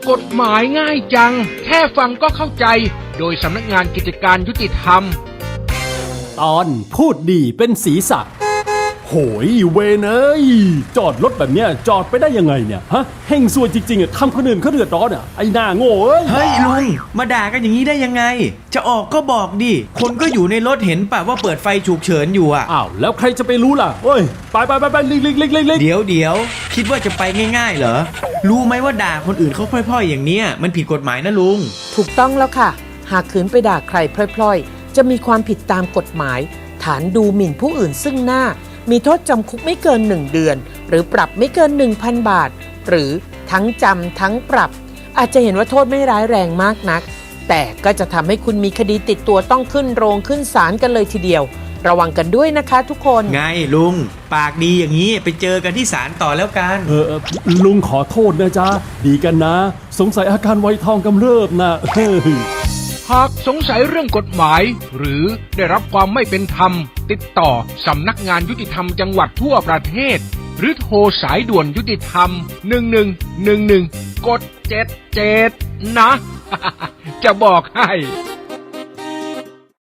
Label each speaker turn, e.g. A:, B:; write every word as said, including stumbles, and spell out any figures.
A: กฎหมายง่ายจังแค่ฟังก็เข้าใจโดยสำนักงานกิจการยุติธรรม
B: ตอนพูดดีเป็นศีรษะโหยเวนเอ้ยจอดรถแบบเนี้ยจอดไปได้ยังไงเนี่ยฮะเฮงซวยจริงๆอ่ะทำคนอื่นเขาเดือดร้อนอ่ะไอ้หน้าโง่เอ้ย
C: เฮ้ยลุงมาด่ากันอย่างนี้ได้ยังไงจะออกก็บอกดิคนก็อยู่ในรถเห็นป่ะว่าเปิดไฟฉุกเฉินอยู่อ่ะ
B: อ้าวแล้วใครจะไปรู้ล่ะเฮ้ยไปไปไปไปลิกลิกลิกลิกลิก
C: เดี๋ยวเดี๋ยวคิดว่าจะไปง่ายๆเหรอรู้ไหมว่าด่าคนอื่นเขาพล่อยๆอย่างเนี้ยมันผิดกฎหมายนะลุง
D: ถูกต้องแล้วค่ะหากขืนไปด่าใครพล่อยๆจะมีความผิดตามกฎหมายฐานดูหมิ่นผู้อื่นซึ่งหน้ามีโทษจำคุกไม่เกินหนึ่งเดือนหรือปรับไม่เกิน หนึ่งพัน บาทหรือทั้งจำทั้งปรับอาจจะเห็นว่าโทษไม่ร้ายแรงมากนักแต่ก็จะทำให้คุณมีคดีติดตัวต้องขึ้นโรงขึ้นศาลกันเลยทีเดียวระวังกันด้วยนะคะทุกคน
C: ไงลุงปากดีอย่างนี้ไปเจอกันที่ศาลต่อแล้วกัน
B: เออลุงขอโทษนะจ๊ะดีกันนะสงสัยอาการไวทองกำเริบนะเฮ้ย
A: หากสงสัยเรื่องกฎหมายหรือได้รับความไม่เป็นธรรมติดต่อสำนักงานยุติธรรมจังหวัดทั่วประเทศหรือโทรสายด่วนยุติธรรมหนึ่งหนึ่งหนึ่งหนึ่งกดเจ็ดเจ็ดนะ จะบอกให้